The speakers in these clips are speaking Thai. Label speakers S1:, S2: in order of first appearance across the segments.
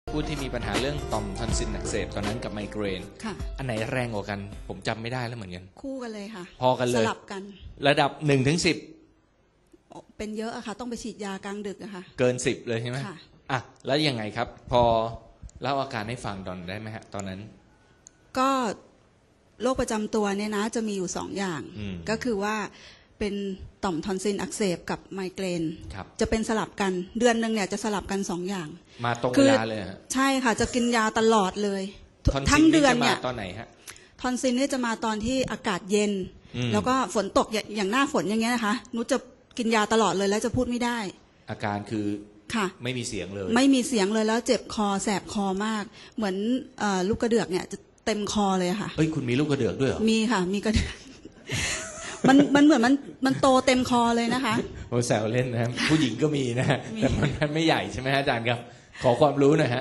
S1: ผู้ที่มีปัญหาเรื่องต่อมทอนซิลอักเสบตอนนั้นกับไมเกรน
S2: ค่ะ
S1: อันไหนแรงกว่ากันผมจำไม่ได้แล้วเหมือนกัน
S2: คู่กันเลยค่ะ
S1: พอกันเลย
S2: สลับกัน
S1: ระดับ1-10
S2: เป็นเยอะอะค่ะต้องไปฉีดยากลางดึกอะค่ะ
S1: เกิน10เลยใช่ไหม
S2: ค่ะ
S1: อ่ะแล้วยังไงครับพอเล่าอาการให้ฟังตอนได้ไหมฮะตอนนั้น
S2: ก็โรคประจำตัวเนี่ยนะจะมีอยู่2อย่างก็คือว่าเป็นต่อมทอนซิลอักเสบกับไมเกรนจะเป็นสลับกันเดือนนึงเนี่ยจะสลับกัน2อย่าง
S1: มาตรงเวลาเลยฮะ
S2: ใช่ค่ะจะกินยาตลอดเลย
S1: ทั้งเดือนเนี่ยตอนไหนฮะ
S2: ทอนซิลเนี่ยจะมาตอนที่อากาศเย็นแล้วก็ฝนตกอย่างหน้าฝนอย่างเงี้ยนะคะนุชจะกินยาตลอดเลยแล้วจะพูดไม่ได้
S1: อาการคือ
S2: ค่ะ
S1: ไม่มีเสียงเลย
S2: ไม่มีเสียงเลยแล้วเจ็บคอแสบคอมากเหมือนลูกกระเดือกเนี่ยจะเต็มคอเลยค่ะ
S1: เฮ้ยคุณมีลูกกระเดือกด้วยเหรอ
S2: มีค่ะมีกระเดือกมันเหมือนมันโตเต็มคอเลยนะคะ
S1: โอ้แซวเล่นนะผู้หญิงก็มีนะแต่มันไม่ใหญ่ใช่ไหมฮะอาจารย์ครับขอความรู้หน่อยฮะ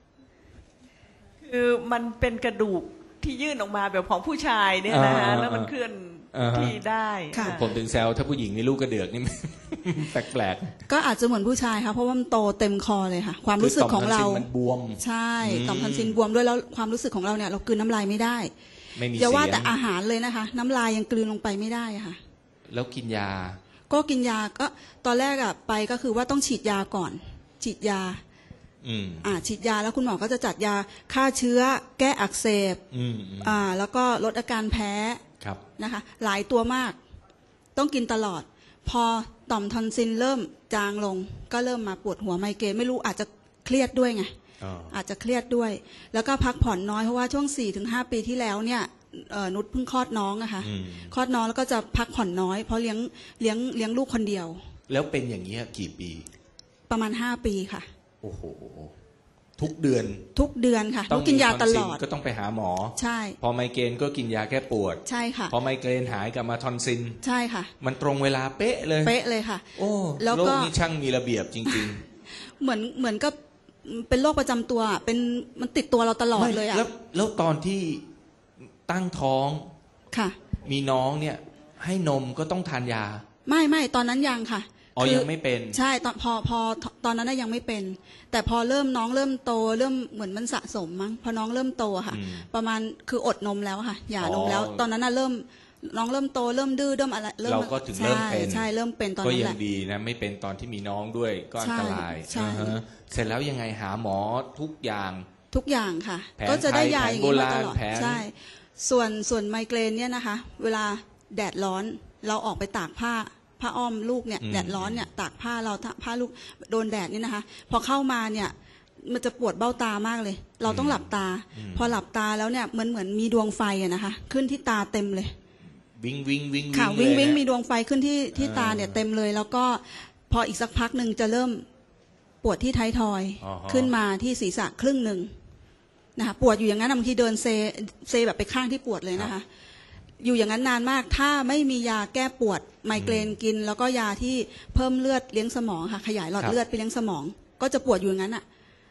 S3: คือมันเป็นกระดูกที่ยื่นออกมาแบบของผู้ชายเนี่ยนะฮะแล้วมันเคลื่อนที่ได้
S1: ผมถึงแซวถ้าผู้หญิงมีลูกกระเดือกนี่แปลก
S2: ๆก็อาจจะเหมือนผู้ชายค่ะเพราะว่ามันโตเต็มคอเลยค่ะความรู้สึกของเรา
S1: มันบวม
S2: ใช่ต่อมทอนซิลบวมด้วยแล้วความรู้สึกของเราเนี่ยเรากลืนน้ำลายไม่ได้อย่าว่าแต่อาหารเลยนะคะน้ำลายยังกลืนลงไปไม่ได้ค่ะ
S1: แล้วกินยา
S2: ก็กินยาก็ตอนแรกไปก็คือว่าต้องฉีดยาก่อนฉีดยาฉีดยาแล้วคุณหมอก็จะจัดยาฆ่าเชื้อแก้อักเสบแล้วก็ลดอาการแพ้นะคะหลายตัวมากต้องกินตลอดพอต่อมทอนซิลเริ่มจางลงก็เริ่มมาปวดหัวไมเกรนไม่รู้อาจจะเครียดด้วยไงอาจจะเครียดด้วยแล้วก็พักผ่อนน้อยเพราะว่าช่วง 4-5 ปีที่แล้วเนี่ยนุชเพิ่งคลอดน้องอะค่ะคลอดน้องแล้วก็จะพักผ่อนน้อยเพราะเลี้ยงลูกคนเดียว
S1: แล้วเป็นอย่างนี้กี่ปี
S2: ประมาณ5 ปีค่ะ
S1: โอ้โหทุกเดือน
S2: ค่ะต้องกินยาตลอด
S1: ก็ต้องไปหาหมอ
S2: ใช่
S1: พอไมเกรนก็กินยาแก้ปวด
S2: ใช่ค่ะ
S1: พอไมเกรนหายกลับมาทอนซิล
S2: ใช่ค่ะ
S1: มันตรงเวลาเป๊ะเลย
S2: ค่ะ
S1: โอ้โลกนี้ช่างมีระเบียบจริง
S2: ๆเหมือนก็เป็นโรคประจำตัวเป็นมันติดตัวเราตลอดเลยอะ
S1: แล้วตอนที่ตั้งท้อง
S2: ค่ะ
S1: มีน้องเนี่ยให้นมก็ต้องทานยา
S2: ไม่ตอนนั้นยังค่ะ
S1: ยังไม่เป็น
S2: ใช่ตอนพอตอนนั้นยังไม่เป็นแต่พอน้องเริ่มโตเริ่มเหมือนมันสะสมมั้งพอน้องเริ่มโตค่ะประมาณคืออดนมแล้วค่ะหย่านมแล้วตอนนั้นเริ่มน้องเริ่มโตเริ่มดื้อเริ่มอะไร
S1: เราก็ถึงเริ่มเป็น
S2: ใช่เริ่มเป็นตอนนั้นแหละ
S1: ก็ยังดีนะไม่เป็นตอนที่มีน้องด้วยก็อันตรายเสร็จแล้วยังไงหาหมอทุกอย่าง
S2: ค่ะก็จะได้ยาอย่างนี้มาตลอดใช่ส่วนไมเกรนเนี่ยนะคะเวลาแดดร้อนเราออกไปตากผ้าอ้อมลูกเนี่ยแดดร้อนเนี่ยตากผ้าเราผ้าลูกโดนแดดนี่นะคะพอเข้ามาเนี่ยมันจะปวดเบ้าตามากเลยเราต้องหลับตาพอหลับตาแล้วเนี่ยเหมือนมีดวงไฟอะนะคะขึ้นที่ตาเต็มเลย
S1: วิง
S2: ค่ะวิงมีดวงไฟขึ้นที่ตาเนี่ยเต็มเลยแล้วก็พออีกสักพักหนึ่งจะเริ่มปวดที่ท้ายทอยขึ้นมาที่ศีรษะครึ่งหนึ่งนะคะปวดอยู่อย่างนั้นบางทีเดินเซแบบไปข้างที่ปวดเลยนะคะอยู่อย่างนั้นนานมากถ้าไม่มียาแก้ปวดไมเกรนกินแล้วก็ยาที่เพิ่มเลือดเลี้ยงสมองค่ะขยายหลอดเลือดไปเลี้ยงสมองก็จะปวดอยู่อย่างนั้นอ่ะ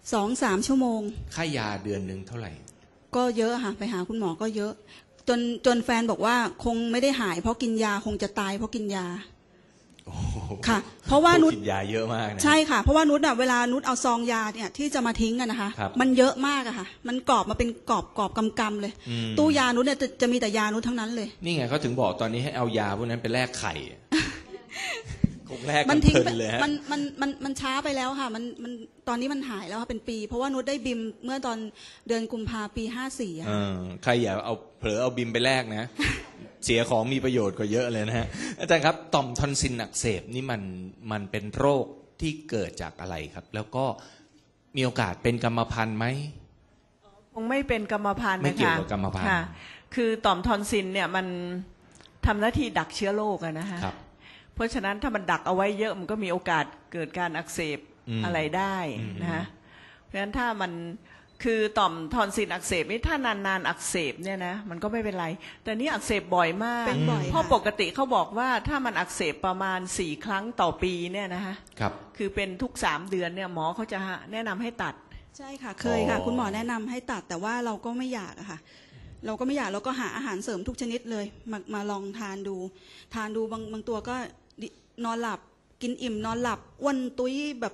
S2: 2-3 ชั่วโมง
S1: ค่ายาเดือนนึงเท่าไหร่
S2: ก็เยอะค่ะไปหาคุณหมอก็เยอะจนแฟนบอกว่าคงไม่ได้หายเพราะกินยาคงจะตายเพราะกินยาค่ะเพราะว่านุช
S1: กินยาเยอะมากนะ
S2: ใช่ค่ะเพราะว่านุชเวลานุชเอาซองยาเนี่ยที่จะมาทิ้งกันนะคะมันเยอะมากอะค่ะมันกรอบมาเป็นกรอบกำเลยตู้ยานุชเนี่ยจะมีแต่ยานุชทั้งนั้นเลย
S1: นี่ไงเขาถึงบอกตอนนี้ให้เอายาพวกนั้นไปแลกไข่คงแลก
S2: มันทิ้งเลยมันช้าไปแล้วค่ะมันตอนนี้มันหายแล้วค่ะเป็นปีเพราะว่านุชได้บิมเมื่อตอนเดือนกุมภาปี54อ่ะ
S1: ใครอย่าเอาเผลอเอาบิมไปแลกนะเสียของมีประโยชน์กว่าเยอะเลยนะฮะอาจารย์ครับต่อมทอนซิลอักเสบนี่มันเป็นโรคที่เกิดจากอะไรครับแล้วก็มีโอกาสเป็นกรรมพันธุ์ไหม
S3: คงไม่เป็นกรรมพันธุ์นะคะ
S1: ไม่เกี่ยวกับกรรมพันธุ์
S3: คือต่อมทอนซิลเนี่ยมันทำหน้าที่ดักเชื้อโรคอะนะคะเพราะฉะนั้นถ้ามันดักเอาไว้เยอะมันก็มีโอกาสเกิดการอักเสบอะไรได้นะคะเพราะฉะนั้นถ้ามันคือต่อมทอนซิลอักเสบนี่ถ้านานๆอักเสบเนี่ยนะมันก็ไม่เป็นไรแต่นี่อักเสบบ่อยมากเพราะปกติเขาบอกว่าถ้ามันอักเสบประมาณ4 ครั้งต่อปีเนี่ยนะคะคือเป็นทุก3 เดือนเนี่ยหมอเขาจะแนะนำให้ตัด
S2: ใช่ค่ะเคยค่ะคุณหมอแนะนำให้ตัดแต่ว่าเราก็ไม่อยากอะค่ะเราก็ไม่อยากเราก็หาอาหารเสริมทุกชนิดเลยมาลองทานดูบางตัวก็นอนหลับกินอิ่มนอนหลับอ้วนตุ้ยแบบ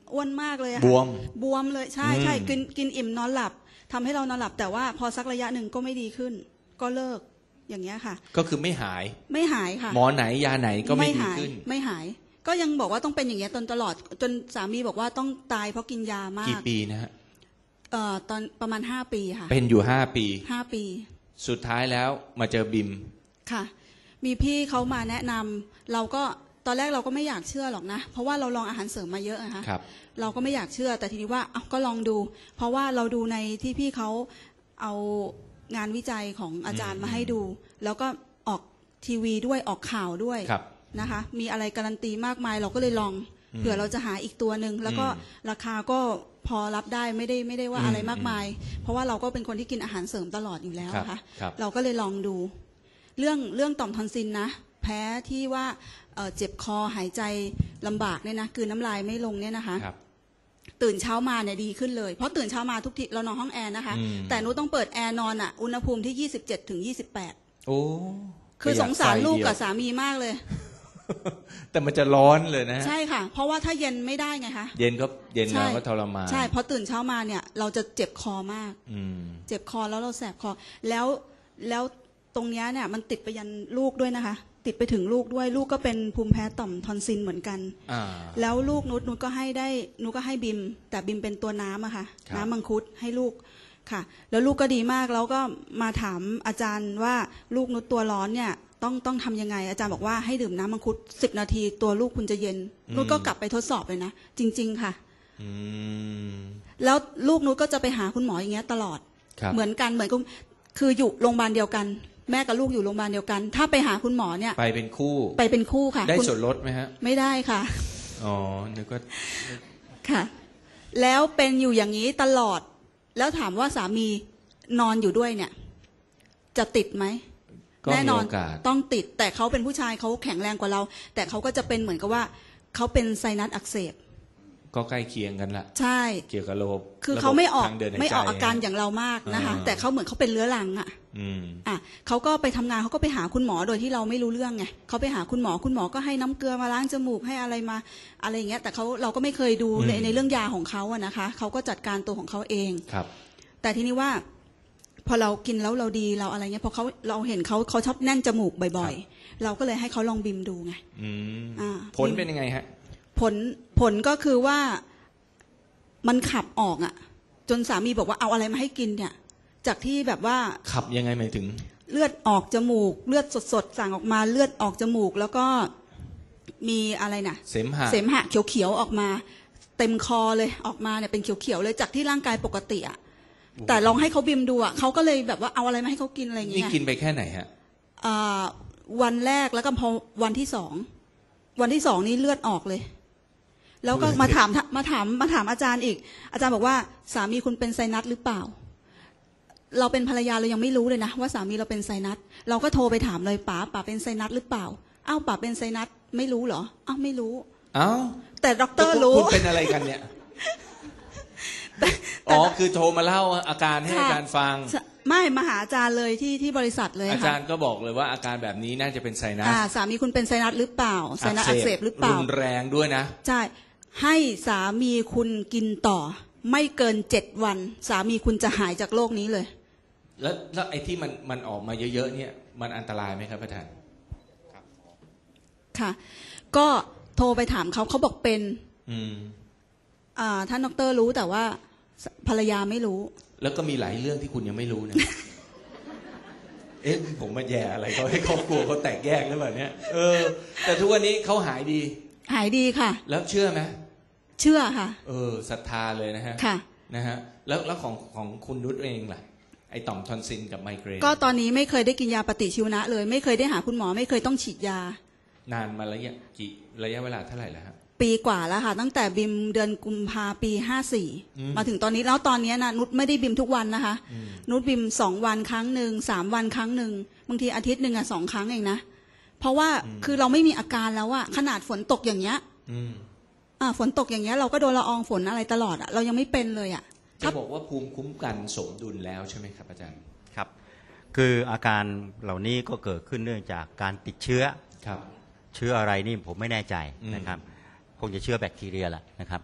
S2: อ้วนมากเลยอะ
S1: บวม
S2: บวมเลยใช่ใช่กินอิ่มนอนหลับทำให้เรานอนหลับแต่ว่าพอสักระยะหนึ่งก็ไม่ดีขึ้น ก็เลิกอย่างเงี้ยค่ะ
S1: ก็คือไม่หาย
S2: ค่ะ
S1: หมอไหนยาไหนก็ไม่ดีขึ้น
S2: ไม่หายก็ยังบอกว่าต้องเป็นอย่างเงี้ยตลอดจนสามีบอกว่าต้องตายเพราะกินยามาก
S1: กี่ปีนะฮะ
S2: ตอนประมาณ5 ปีค่ะ
S1: เป็นอยู่5 ปีสุดท้ายแล้วมาเจอบิม
S2: ค่ะมีพี่เขามาแนะนำเราก็ตอนแรกเราก็ไม่อยากเชื่อหรอกนะเพราะว่าเราลองอาหารเสริมมาเยอะนะคะเราก็ไม่อยากเชื่อแต่ทีนี้ว่าก็ลองดูเพราะว่าเราดูในที่พี่เขาเอางานวิจัยของอาจารย์มาให้ดูแล้วก็ออกทีวีด้วยออกข่าวด้วยนะคะมีอะไรการันตีมากมายเราก็เลยลองเผื่อเราจะหาอีกตัวหนึ่งแล้วก็ราคาก็พอรับได้ไม่ได้ว่าอะไรมากมายเพราะว่าเราก็เป็นคนที่กินอาหารเสริมตลอดอยู่แล้วค่ะเราก็เลยลองดูเรื่องต่อมทอนซิลนะแพ้ที่ว่าเจ็บคอหายใจลำบากเนี่ยนะคือน้ำลายไม่ลงเนี่ยนะคะตื่นเช้ามาเนี่ยดีขึ้นเลยเพราะตื่นเช้ามาทุกทีเรานอนห้องแอร์นะคะแต่หนูต้องเปิดแอร์นอนอ่ะอุณหภูมิที่27 ถึง 28โอ้คือสงสารลูกกับสามีมากเลย
S1: แต่มันจะร้อนเลยนะ
S2: ใช่ค่ะเพราะว่าถ้าเย็นไม่ได้ไงคะ
S1: เย็นเราก็ทรมาน
S2: ใช่พอตื่นเช้ามาเนี่ยเราจะเจ็บคอมากเจ็บคอแล้วเราแสบคอแล้วตรงนี้เนี่ยมันติดไปยันลูกด้วยนะคะติดไปถึงลูกด้วยลูกก็เป็นภูมิแพ้ต่อมทอนซิลเหมือนกันแล้วลูกนุชก็ให้บิมแต่บิมเป็นตัวน้ำอะค่ะน้ำมังคุดให้ลูกค่ะแล้วลูกก็ดีมากแล้วก็มาถามอาจารย์ว่าลูกนุชตัวร้อนเนี่ยต้องทำยังไงอาจารย์บอกว่าให้ดื่มน้ำมังคุด10 นาทีตัวลูกคุณจะเย็นนุชก็กลับไปทดสอบเลยนะจริงๆค่ะแล้วลูกนุชก็จะไปหาคุณหมออย่างเงี้ยตลอดเหมือนกันคืออยู่โรงพยาบาลเดียวกันแม่กับลูกอยู่โรงพยาบาลเดียวกันถ้าไปหาคุณหมอเนี่ย
S1: ไปเป็นคู่ค่ะได้ส่วนลดไหมฮะ
S2: ไม่ได้ค่ะ
S1: อ๋อนึกว่า
S2: ค่ะแล้วเป็นอยู่อย่างนี้ตลอดแล้วถามว่าสามีนอนอยู่ด้วยเนี่ยจะติดไหมแน่นอนต้องติดแต่เขาเป็นผู้ชายเขาแข็งแรงกว่าเราแต่เขาก็จะเป็นเหมือนกับว่าเขาเป็นไซนัสอักเสบ
S1: ก็ใกล้เคียงกันละ
S2: ใช่
S1: เกี่ยวกับระบบ
S2: คือเขาไม่ออกอาการอย่างเรามากนะคะแต่เขาเหมือนเขาเป็นเรื้อรังเขาก็ไปทำงานเขาก็ไปหาคุณหมอโดยที่เราไม่รู้เรื่องไงเขาไปหาคุณหมอก็ให้น้ำเกลือมาล้างจมูกให้อะไรมาอะไรอย่างเงี้ยแต่เราก็ไม่เคยดูในเรื่องยาของเขาอะนะคะเขาก็จัดการตัวของเขาเอง
S1: ครับ
S2: แต่ทีนี้ว่าพอเรากินแล้วเราดีเราอะไรเงี้ยพอเราเห็นเขาชอบแน่นจมูกบ่อยๆเราก็เลยให้เขาลองบิมดูไง
S1: ผลเป็นยังไงฮะ
S2: ผลก็คือว่ามันขับออกอ่ะจนสามีบอกว่าเอาอะไรมาให้กินเนี่ยจากที่แบบว่า
S1: ขับยังไงหมายถึง
S2: เลือดออกจมูกเลือดสดๆสั่งออกมาเลือดออกจมูกแล้วก็มีอะไรนะ
S1: เสมหะ
S2: เขียวๆออกมาเต็มคอเลยออกมาเนี่ยเป็นเขียวๆเลยจากที่ร่างกายปกติอ่ะแต่ลองให้เขาบิมดูอ่ะเขาก็เลยแบบว่าเอาอะไรมาให้เขากินอะไรอย่างเงี้ย
S1: นี่กินไปแค่ไหนฮะ
S2: วันแรกแล้วก็พอวันที่2นี่เลือดออกเลยแล้วก็มาถามอาจารย์อีกอาจารย์บอกว่าสามีคุณเป็นไซนัสหรือเปล่าเราเป็นภรรยาเรายังไม่รู้เลยนะว่าสามีเราเป็นไซนัสเราก็โทรไปถามเลยป๋าเป็นไซนัสหรือเปล่าอ้าวป๋าเป็นไซนัสไม่รู้เหรออ้าวไม่รู้
S1: อ้าว
S2: แต่ด็อกเตอร์รู้
S1: คุณเป็นอะไรกันเนี่ยอ๋อคือโทรมาเล่าอาการให้อาจารย์ฟัง
S2: ไม่มาหาอาจารย์เลยที่บริษัทเลย
S1: อาจารย์ก็บอกเลยว่าอาการแบบนี้น่าจะเป็นไซนัส
S2: สามีคุณเป็นไซนัสหรือเปล่าไซนัสอักเสบหรือเปล่า
S1: รุนแรงด้วยนะ
S2: ใช่ให้สามีคุณกินต่อไม่เกิน7 วันสามีคุณจะหายจากโรคนี้เลย
S1: แล้วไอ้ที่มันออกมาเยอะๆเนี่ยมันอันตรายไหมครับอาจารย์
S2: ค่ะก็โทรไปถามเขาบอกเป็นท่านดร.รู้แต่ว่าภรรยาไม่รู้
S1: แล้วก็มีหลายเรื่องที่คุณยังไม่รู้นะ ผมมาแย่อะไรเขาให้ครอบครัวเขาแตกแยกหรือเปล่าเนี่ยแต่ทุกวันนี้เขาหายดี
S2: ค่ะ
S1: แล้วเชื่อไหม
S2: เชื่อค่ะ
S1: ศรัทธาเลยนะฮะ
S2: ค่ะ
S1: นะฮะแล้วของคุณนุชเองล่ะไอต่อมทอนซิลกับไมเกรน
S2: ก็ตอนนี้ไม่เคยได้กินยาปฏิชีวนะเลยไม่เคยได้หาคุณหมอไม่เคยต้องฉีดยาน
S1: านมาแล้วระยะเวลาเท่าไหร่แล้วครับ
S2: ปีกว่าแล้วค่ะตั้งแต่บิมเดือนกุมภาปี54มาถึงตอนนี้แล้วตอนนี้นะนุชไม่ได้บิมทุกวันนะคะนุชบิม2 วันครั้งหนึ่ง3 วันครั้งหนึ่งบางทีอาทิตย์หนึ่ง2 ครั้งเองนะเพราะว่าคือเราไม่มีอาการแล้วอะขนาดฝนตกอย่างเงี้ยฝนตกอย่างเงี้ยเราก็โดนละอองฝนอะไรตลอดอะเรายังไม่เป็นเลยอะ
S1: จะบอกว่าภูมิคุ้มกันสมดุลแล้วใช่ไหมครับอาจารย์
S4: ครับคืออาการเหล่านี้ก็เกิดขึ้นเนื่องจากการติดเชื้อครับเชื้ออะไรนี่ผมไม่แน่ใจนะครับคงจะเชื้อแบคทีเรียแหละนะครับ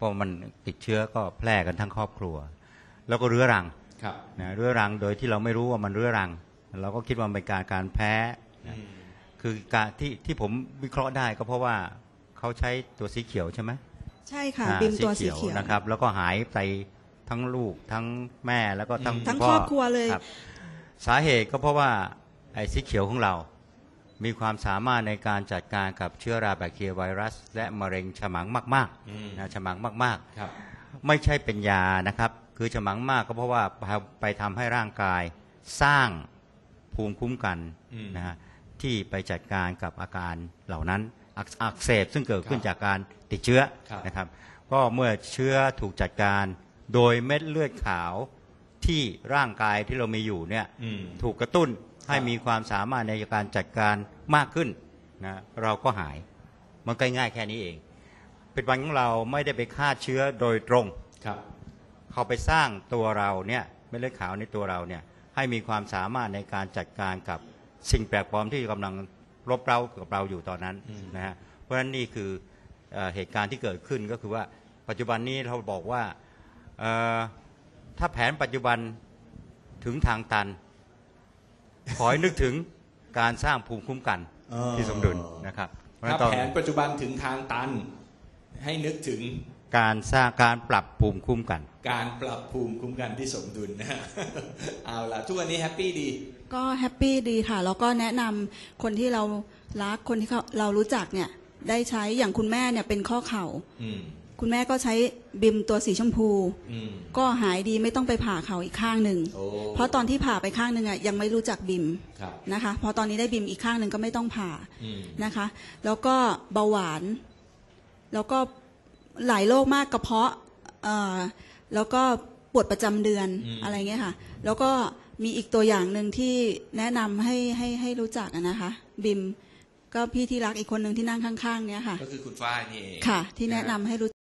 S4: ราะมันติดเชื้อก็แพร่กันทั้งครอบครัวแล้วก็เรื้อรัง
S1: ครับ
S4: นะเรื้อรังโดยที่เราไม่รู้ว่ามันเรื้อรังเราก็คิดว่ามันเป็นการแพ้นะคือการที่ผมวิเคราะห์ได้ก็เพราะว่าเขาใช้ตัวสีเขียวใช่ไหม
S2: ใช่ค่ะบิมตัวสีเขียว
S4: นะครับแล้วก็หายไปทั้งลูกทั้งแม่แล้วก็ทั้ง
S2: ทั้ง
S4: พ่
S2: ครอบครัวเลย
S4: ครับสาเหตุก็เพราะว่าไอ้สีเขียวของเรา มีความสามารถในการจัดการกับเชื้อราแบคทีเรียไวรัสและมะเร็งฉมังมากๆนะฉมังมาก
S1: ครับ
S4: ๆไม่ใช่เป็นยานะครับคือฉมังมากก็เพราะว่าไปทำให้ร่างกายสร้างภูมิคุ้มกันนะฮะที่ไปจัดการกับอาการเหล่านั้นอักเสบซึ่งเกิดขึ้นจากการติดเชื้อนะครับก็เมื่อเชื้อถูกจัดการโดยเม็ดเลือดขาวที่ร่างกายที่เรามีอยู่เนี่ยถูกกระตุ้นให้มีความสามารถในการจัดการมากขึ้นนะเราก็หายมันก็ง่ายแค่นี้เองเป็นวันของเราไม่ได้ไปฆ่าเชื้อโดยตรง
S1: ครับ
S4: เขาไปสร้างตัวเราเนี่ยเม็ดเลือดขาวในตัวเราเนี่ยให้มีความสามารถในการจัดการกับสิ่งแปลกปลอมที่กำลังรบเร้ากับเราอยู่ตอนนั้นนะฮะเพราะฉะนั้นนี่คือเหตุการณ์ที่เกิดขึ้นก็คือว่าปัจจุบันนี้เราบอกว่าถ้าแผนปัจจุบันถึงทางตันขอให้นึกถึงการสร้างภูมิคุ้มกันที่สมดุลนะครับเพราะฉะ
S1: ถ้า
S4: นั้น
S1: แผนปัจจุบันถึงทางตันให้นึกถึง
S4: การสร้างการปรับภูมิคุ้มกัน
S1: การปรับภูมิคุ้มกันที่สมดุลนะฮะ เอาล่ะทุกวันนี้แฮปปี้ดี
S2: ก็แฮปปี้ดีค่ะแล้วก็แนะนำคนที่เรารักคนที่เรารู้จักเนี่ยได้ใช้อย่างคุณแม่เนี่ยเป็นข้อเข่าคุณแม่ก็ใช้บิมตัวสีชมพูก็หายดีไม่ต้องไปผ่าเข่าอีกข้างหนึ่งเพราะตอนที่ผ่าไปข้างหนึ่งอ่ะยังไม่รู้จักบิมนะคะพอตอนนี้ได้บิมอีกข้างหนึ่งก็ไม่ต้องผ่านะคะแล้วก็เบาหวานแล้วก็หลายโรคมากกระเพาะแล้วก็ปวดประจำเดือนอะไรเงี้ยค่ะแล้วก็มีอีกตัวอย่างหนึ่งที่แนะนำให้รู้จักนะคะบิมก็พี่ที่รักอีกคนหนึ่งที่นั่งข้างๆเนี้ยค่ะ
S1: ก็คือคุณฝ้ายนี่เอง
S2: ค่ะที่แนะนำให้รู้